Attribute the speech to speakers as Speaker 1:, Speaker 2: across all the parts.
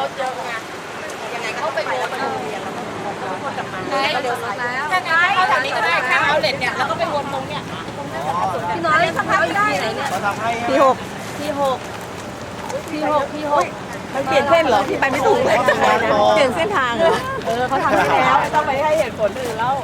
Speaker 1: ถเยอะไงยังไงเขาไปวนมาโรงเรียนแล้วก็วนกลับมาแล้วเดี๋ยวแล้วถ้างั้นเขาจากนี้ก็ได้ข้างเอาเลทเนี่ยแล้วก็ไปวนตรงเนี่ยพี่น้อยทำไม่ได้ไหนเนี่ย
Speaker 2: ที่หกมันเปลี่ยนเส้นเหรอที่ไปไม่ถูกเลยเปลี่ยนเส้นทางเหรอ
Speaker 1: เขาทำให้แล้วไม่ต้องไปให้เหตุผลอื่นแล้ว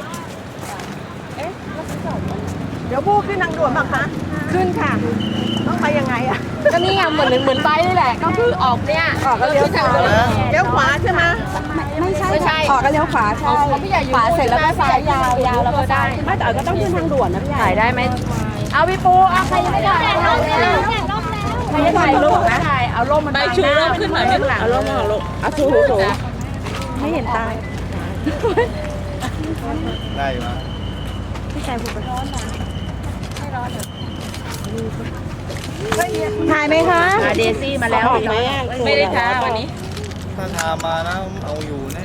Speaker 2: เดี๋ยวบู้ขึ้นทางด่วนบ้างคะขึ้นค่ะต้องไปยังไงอ่ะ
Speaker 1: ก็นี่ไงเหมือนไปนี่แหละก็คือออกเนี่ย
Speaker 2: ออกก็เลี้ยวขวาเลี้ยวขวาใช่ไหม
Speaker 1: ไม่ใช่
Speaker 2: ออกก็เลี้ยวขวาใช่
Speaker 1: พี่ใหญ่อยู่
Speaker 2: ขวาเสร็จแล้วก็ซ้ายยาวแล้วก็ได้ไม่แต่ก็ต้องขึ้นทางด่วนนะพี่ใหญ่
Speaker 1: ถ่ายได้ไหมเอาพี่ปูเอาใครยังไม่ได้เอาใครยังถ่ายรูปนะถ่ายเอาร่มมันไปชูร่มขึ้นหน่อยข้างหลัง
Speaker 2: เอาร่มเอาชูไม่เห็นตา
Speaker 3: ได้ไหม
Speaker 2: พี่ชายพูดไปร้อนนะไม่ร้อนเหรอถ่ายไหมคะ
Speaker 1: เดซี่มาแล้วไม่ได้ท้าวันนี้
Speaker 3: ถ้าทามานะเอาอยู่แน่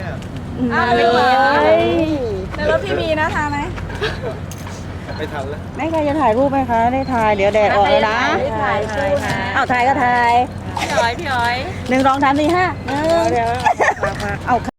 Speaker 2: แล้วพี่มีนะทาไหม
Speaker 3: ไม่ทันแล้ว
Speaker 2: ไม่ใครจะถ่ายรูปไหมคะได้ถ่ายเดี๋ยวแดดออกแล้วนะเอาถ่ายก็ถ่าย
Speaker 1: พี่อ้อย
Speaker 2: 1 2 3 4 5เดี๋ยวเอา